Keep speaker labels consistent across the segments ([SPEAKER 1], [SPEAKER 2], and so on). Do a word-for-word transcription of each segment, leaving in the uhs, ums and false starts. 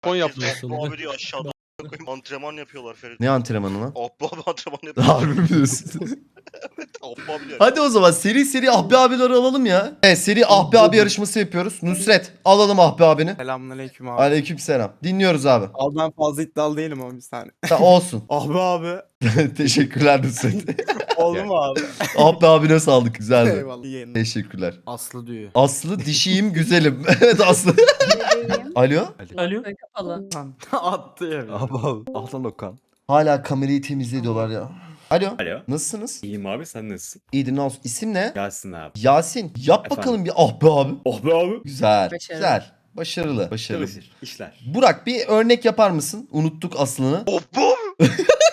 [SPEAKER 1] Son
[SPEAKER 2] Herkes
[SPEAKER 1] yapmıyorsun.
[SPEAKER 2] Abba abi diyor aşağıda. Antrenman yapıyorlar Ferit.
[SPEAKER 3] Ne antrenmanı lan?
[SPEAKER 2] Abba abi antrenman yapıyor.
[SPEAKER 3] Harbi mi diyorsun?
[SPEAKER 2] Abba abi diyor.
[SPEAKER 3] Hadi o zaman seri seri Ahbi abileri alalım ya. Evet seri Ahbi abi yarışması yapıyoruz. Nusret alalım Ahbi abini.
[SPEAKER 4] Selamünaleyküm abi.
[SPEAKER 3] Aleykümselam. Dinliyoruz abi.
[SPEAKER 4] Abi ben fazla iddialı değilim ama bir saniye.
[SPEAKER 3] Ta, olsun.
[SPEAKER 4] Abi abi.
[SPEAKER 3] Teşekkürler Nusret.
[SPEAKER 4] Oldu mu abi?
[SPEAKER 3] Ahbi abine sağlık. Güzeldi.
[SPEAKER 4] Eyvallah. İyi yayınlar.
[SPEAKER 3] Teşekkürler.
[SPEAKER 1] Aslı diyor.
[SPEAKER 3] Aslı dişiyim güzelim. Evet Aslı. Alo.
[SPEAKER 5] Alo.
[SPEAKER 6] Kapalı.
[SPEAKER 4] Attı ya.
[SPEAKER 1] Abi abi. Aslan Okan.
[SPEAKER 3] Hala kamerayı temizliyorlar ya. Alo.
[SPEAKER 7] Alo.
[SPEAKER 3] Nasılsınız?
[SPEAKER 7] İyiyim abi, sen nasılsın?
[SPEAKER 3] İyidir ne olsun. İsim ne?
[SPEAKER 7] Gelsin abi.
[SPEAKER 3] Yasin. Yap
[SPEAKER 7] Efendim?
[SPEAKER 3] bakalım bir Ahbi abi.
[SPEAKER 7] Oh be abi.
[SPEAKER 3] Güzel.
[SPEAKER 6] Başarılı.
[SPEAKER 3] Güzel. Başarılı. Başarılı.
[SPEAKER 7] Çalışır. İşler.
[SPEAKER 3] Burak bir örnek yapar mısın? Unuttuk aslını.
[SPEAKER 2] Abba abi.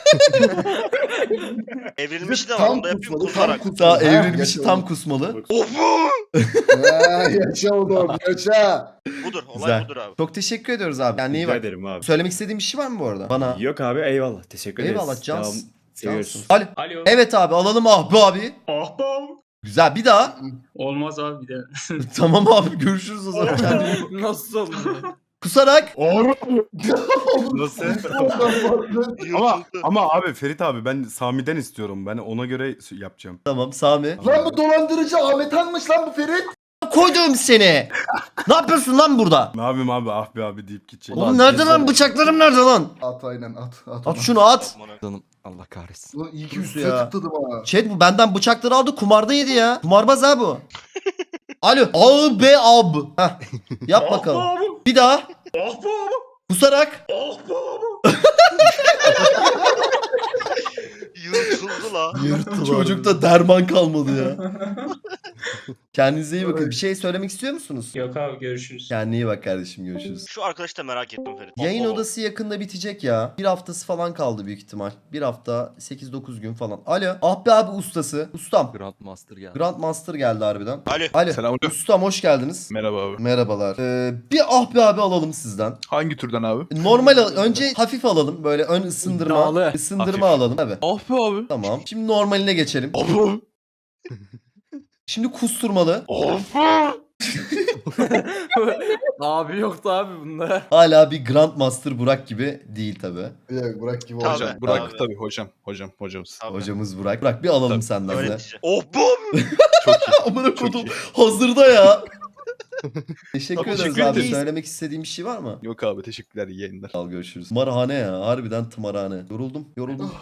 [SPEAKER 2] Evrilmiş de var onda yapayım kusarak.
[SPEAKER 3] Daha evrilmişi tam kusmalı.
[SPEAKER 2] Abba.
[SPEAKER 8] Ya, yaşa oğlum yaşa.
[SPEAKER 2] Budur olay
[SPEAKER 3] Güzel.
[SPEAKER 2] budur abi.
[SPEAKER 3] Çok teşekkür ediyoruz abi. Yani iyi
[SPEAKER 7] Rica
[SPEAKER 3] bak.
[SPEAKER 7] ederim abi.
[SPEAKER 3] Söylemek istediğin bir şey var mı bu arada? Bana.
[SPEAKER 7] Yok abi, eyvallah. Teşekkür ederiz.
[SPEAKER 3] Eyvallah cans.
[SPEAKER 7] Devam- Seviyoruz.
[SPEAKER 3] Cansın. Alo.
[SPEAKER 5] Alo.
[SPEAKER 3] Evet abi alalım Ahbi abi.
[SPEAKER 5] Ah be abi.
[SPEAKER 3] Güzel bir daha.
[SPEAKER 5] Olmaz abi bir de.
[SPEAKER 3] Tamam abi görüşürüz o zaman. Kendine-
[SPEAKER 4] Nasıl oldu?
[SPEAKER 3] Kusarak.
[SPEAKER 1] Nasıl?
[SPEAKER 8] ama
[SPEAKER 1] ama ama abi Ferit abi ben Sami'den istiyorum. Ben ona göre yapacağım.
[SPEAKER 3] Tamam Sami.
[SPEAKER 8] lan bu dolandırıcı Ahmet Han'mış lan bu Ferit.
[SPEAKER 3] Koydum seni. Ne yapıyorsun lan burada?
[SPEAKER 1] Ne yapayım abi ah be abi deyip gidecek.
[SPEAKER 3] Oğlum nerede lan bıçaklarım nerede lan?
[SPEAKER 8] At aynen at. At,
[SPEAKER 3] At şunu at.
[SPEAKER 1] Canım Allah kahretsin.
[SPEAKER 8] Ulan iyi ki
[SPEAKER 3] Nasıl
[SPEAKER 8] üstüne
[SPEAKER 3] ya?
[SPEAKER 8] tıkladım ha.
[SPEAKER 3] Chat bu benden bıçakları aldı kumarda yedi ya. Kumarbaz ha bu. Alo. Al be ab. Heh. Yap bakalım.
[SPEAKER 5] Ah be abi.
[SPEAKER 3] Bir daha.
[SPEAKER 5] Ah be abi.
[SPEAKER 3] Kusarak.
[SPEAKER 5] Ah be abi.
[SPEAKER 2] Yırtıldı la.
[SPEAKER 3] Çocukta derman kalmadı ya. Kendinize iyi bakın. Bir şey söylemek istiyor musunuz?
[SPEAKER 5] Yok abi görüşürüz.
[SPEAKER 3] Kendine iyi bak kardeşim görüşürüz.
[SPEAKER 2] Şu arkadaşı da merak ettim Ferit.
[SPEAKER 3] Yayın
[SPEAKER 2] Abba.
[SPEAKER 3] odası yakında bitecek ya. Bir haftası falan kaldı büyük ihtimal. Bir hafta sekiz dokuz gün falan. Alo. Ah be abi ustası. Ustam.
[SPEAKER 1] Grandmaster geldi.
[SPEAKER 3] Grandmaster geldi harbiden.
[SPEAKER 2] Alo.
[SPEAKER 3] Alo.
[SPEAKER 9] Selamünaleyküm.
[SPEAKER 3] Ustam hoş geldiniz.
[SPEAKER 9] Merhaba abi.
[SPEAKER 3] Merhabalar. Ee, bir ah be abi alalım sizden.
[SPEAKER 9] Hangi türden abi?
[SPEAKER 3] Normal al- önce hafif alalım. Böyle ön ısındırma.
[SPEAKER 4] İddialı.
[SPEAKER 3] Isındırma
[SPEAKER 9] Hafif.
[SPEAKER 3] alalım. Tabii.
[SPEAKER 9] Ah be abi.
[SPEAKER 3] Tamam. Şimdi normaline geçelim.
[SPEAKER 9] Abi.
[SPEAKER 3] Şimdi kusturmalı.
[SPEAKER 4] Abi yoktu abi bunda.
[SPEAKER 3] Hala bir Grandmaster Burak gibi değil tabi.
[SPEAKER 8] Ya bırak gibi
[SPEAKER 2] Tabii.
[SPEAKER 8] olacak.
[SPEAKER 9] Hocam Burak
[SPEAKER 2] Abi.
[SPEAKER 9] tabii hocam. Hocam hocamız.
[SPEAKER 2] Abi.
[SPEAKER 3] Hocamız Burak. Burak bir alalım
[SPEAKER 9] Tabii.
[SPEAKER 3] senden de.
[SPEAKER 2] Öğretici. Abba abi.
[SPEAKER 9] Çok iyi.
[SPEAKER 3] Amına
[SPEAKER 9] Çok
[SPEAKER 3] kodum
[SPEAKER 9] iyi.
[SPEAKER 3] hazırda ya. Teşekkür
[SPEAKER 9] Abi,
[SPEAKER 3] ederiz
[SPEAKER 9] teşekkür
[SPEAKER 3] abi.
[SPEAKER 9] ederiz.
[SPEAKER 3] Söylemek istediğim bir şey var mı?
[SPEAKER 9] Yok abi teşekkürler iyi yayınlar.
[SPEAKER 3] Al görüşürüz. Tımarhane ya. Harbiden tımarhane. Yoruldum. Yoruldum.